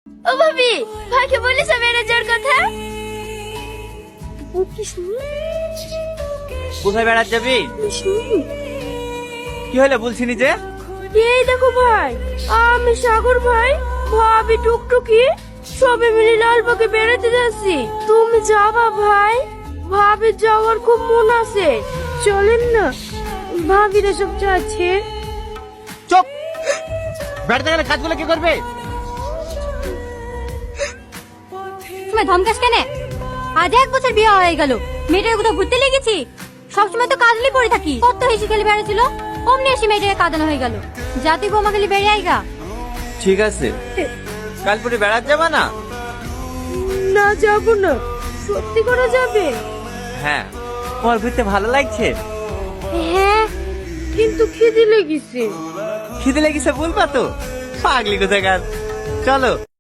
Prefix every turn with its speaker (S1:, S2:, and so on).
S1: ও ভাবি, ভাইকে বলিস বেড়ে যাওয়ার কথা।
S2: কোথায় বেড়াতে যাবি? কি হলো বলছিনি যে?
S1: এই দেখো ভাই, আমি সাগর ভাই, ভাবি টুকটুকি সবে মিলে লালবাগে বেড়াতে যাচ্ছি। তুমি যাবা ভাই? ভাবির যাওয়ার খুব মন আছে, চলেন না। ভাবিরা সব যাচ্ছে।
S2: চুপ! বেড়াতে গেলে কাজগুলো কি করবে?
S3: তুমি ধমকাস কেন? আজ 1 বছর বিয়ে হয়ে গেল, মেয়েটার কোথাও ঘুরতে লেগেছি? সবসময় তো কাজলি পড়ে থাকি। কত হেসে খেলে বেড়াচ্ছিল, অমনি এসে মেয়েটাকে কাঁদানো হয়ে গেল। জাতি বোমা খেলে বেড়ে আইগা।
S2: ঠিক আছে, কাল পরে বেড়াতে যাবা না?
S1: না যাবো না। সত্যি করে যাবে?
S2: হ্যাঁ। তোমার ঘুরতে ভালো লাগছে?
S1: হ্যাঁ, কিন্তু খিদে লেগেছে।
S2: খিদে লেগেছে বলবা তো? পাগলি কোথাকার। চলো।